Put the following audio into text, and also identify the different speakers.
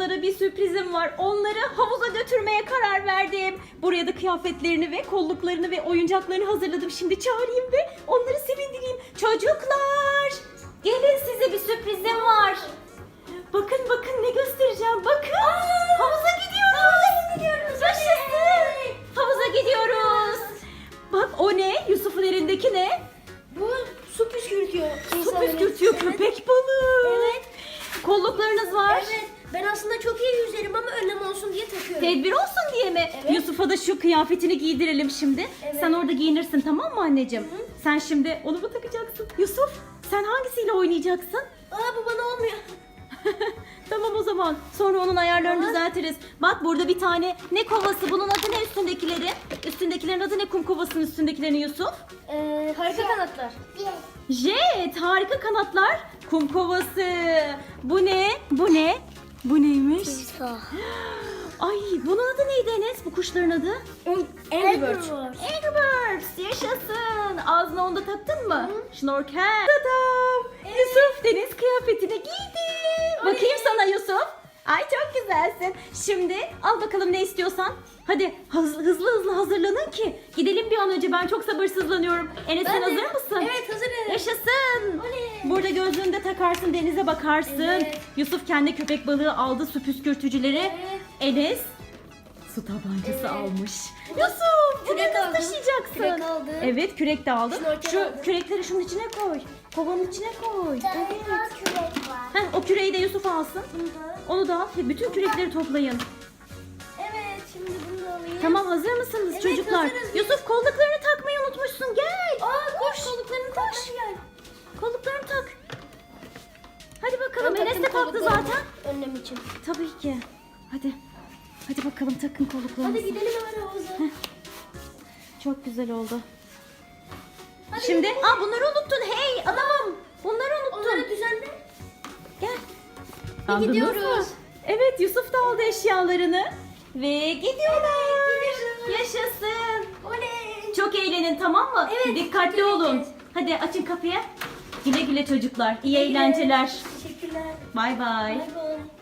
Speaker 1: kızlara bir sürprizim var. Onları havuza götürmeye karar verdim. Buraya da kıyafetlerini ve kolluklarını ve oyuncaklarını hazırladım. Şimdi çağırayım ve onları sevindireyim. Çocuklar, gelin, size bir sürprizim var. Bakın bakın ne göstereceğim. Bakın. Havuza gidiyoruz. Yaşasın. Havuza gidiyoruz. Bak, o ne? Yusuf'un elindeki ne?
Speaker 2: Bu su püskürtüyor.
Speaker 1: Su püskürtüyor, köpek balığı.
Speaker 2: Evet.
Speaker 1: Kolluklarınız var.
Speaker 2: Evet. Ben aslında çok iyi yüzerim ama önlem olsun diye takıyorum.
Speaker 1: Tedbir olsun diye mi?
Speaker 2: Evet.
Speaker 1: Yusuf'a da şu kıyafetini giydirelim şimdi.
Speaker 2: Evet.
Speaker 1: Sen orada giyinirsin, tamam mı anneciğim?
Speaker 2: Hı.
Speaker 1: Sen şimdi onu mu takacaksın? Yusuf, sen hangisiyle oynayacaksın?
Speaker 2: Aa, bu bana olmuyor.
Speaker 1: Tamam o zaman. Sonra onun ayarlarını
Speaker 2: Tamam.
Speaker 1: düzeltiriz. Bak, burada bir tane ne kovası? Bunun adı ne üstündekileri? Üstündekilerin adı ne, kum kovasının üstündekilerin Yusuf?
Speaker 2: Harika kanatlar.
Speaker 1: Jet, harika kanatlar. Kum kovası. Bu ne? Bu ne? Bu neymiş? Ay, bunun adı neydi Enes? Bu kuşların adı?
Speaker 2: Angry Birds.
Speaker 1: Angry Birds. Yaşasın. Ağzına onu da taktın mı? Şnorkel. Tadam. Yusuf deniz kıyafetini giydi. Bakayım sana Yusuf. Ay, çok güzelsin. Şimdi al bakalım ne istiyorsan. Hadi hızlı hazırlanın ki gidelim bir an önce. Ben çok sabırsızlanıyorum. Enes, sen hazır mısın?
Speaker 2: Evet, hazırım.
Speaker 1: Yaşasın.
Speaker 2: Oley.
Speaker 1: Burada gözlüğünü de takarsın, denize bakarsın.
Speaker 2: Evet.
Speaker 1: Yusuf kendi köpek balığı aldı, su püskürtücüleri.
Speaker 2: Evet.
Speaker 1: Enes su tabancası
Speaker 2: Evet.
Speaker 1: almış. Yusuf, bunu
Speaker 2: Kürek
Speaker 1: nasıl
Speaker 2: aldım.
Speaker 1: taşıyacaksın?
Speaker 2: Kürek aldım.
Speaker 1: Evet, kürek de aldın.
Speaker 2: Şnorkel
Speaker 1: Şu
Speaker 2: aldım.
Speaker 1: kürekleri şunun içine koy. Kovanın içine koy. Evet.
Speaker 3: Kürek var.
Speaker 1: Heh, o küreği de Yusuf alsın. Onu da al. Bütün kürekleri toplayın.
Speaker 2: Evet, şimdi bunu da alayım.
Speaker 1: Tamam, hazır mısınız
Speaker 2: Evet,
Speaker 1: çocuklar?
Speaker 2: hazırız.
Speaker 1: Yusuf, kolluklarını takmayı unutmuşsun. Gel.
Speaker 2: Koş.
Speaker 1: Kolluklarını tak. Kolluklarını tak. Hadi bakalım.
Speaker 2: Ben
Speaker 1: Enes de
Speaker 2: taktım
Speaker 1: taktı
Speaker 2: kolluklarımı.
Speaker 1: zaten.
Speaker 2: Önlem için.
Speaker 1: Tabii ki. Hadi. Hadi bakalım, takın kolluklarınızı.
Speaker 2: Hadi gidelim hemen havuza.
Speaker 1: Çok güzel oldu.
Speaker 2: Hadi
Speaker 1: Şimdi,
Speaker 2: gidelim.
Speaker 1: bunları unuttun. Hey adamım. Bunları unuttun.
Speaker 2: Onları düzenle.
Speaker 1: Gel.
Speaker 2: Ve
Speaker 1: Aldınız
Speaker 2: gidiyoruz.
Speaker 1: mı? Evet, Yusuf da aldı eşyalarını. Ve gidiyorlar.
Speaker 2: gidiyoruz.
Speaker 1: Yaşasın.
Speaker 2: Oley.
Speaker 1: Çok eğlenin, tamam mı?
Speaker 2: Evet,
Speaker 1: Dikkatli
Speaker 2: çok
Speaker 1: olun.
Speaker 2: eğleneceğiz.
Speaker 1: Hadi açın kapıyı. Güle güle çocuklar. İyi
Speaker 2: Güle.
Speaker 1: eğlenceler.
Speaker 2: Teşekkürler.
Speaker 1: Bay bay.
Speaker 2: Bay bay.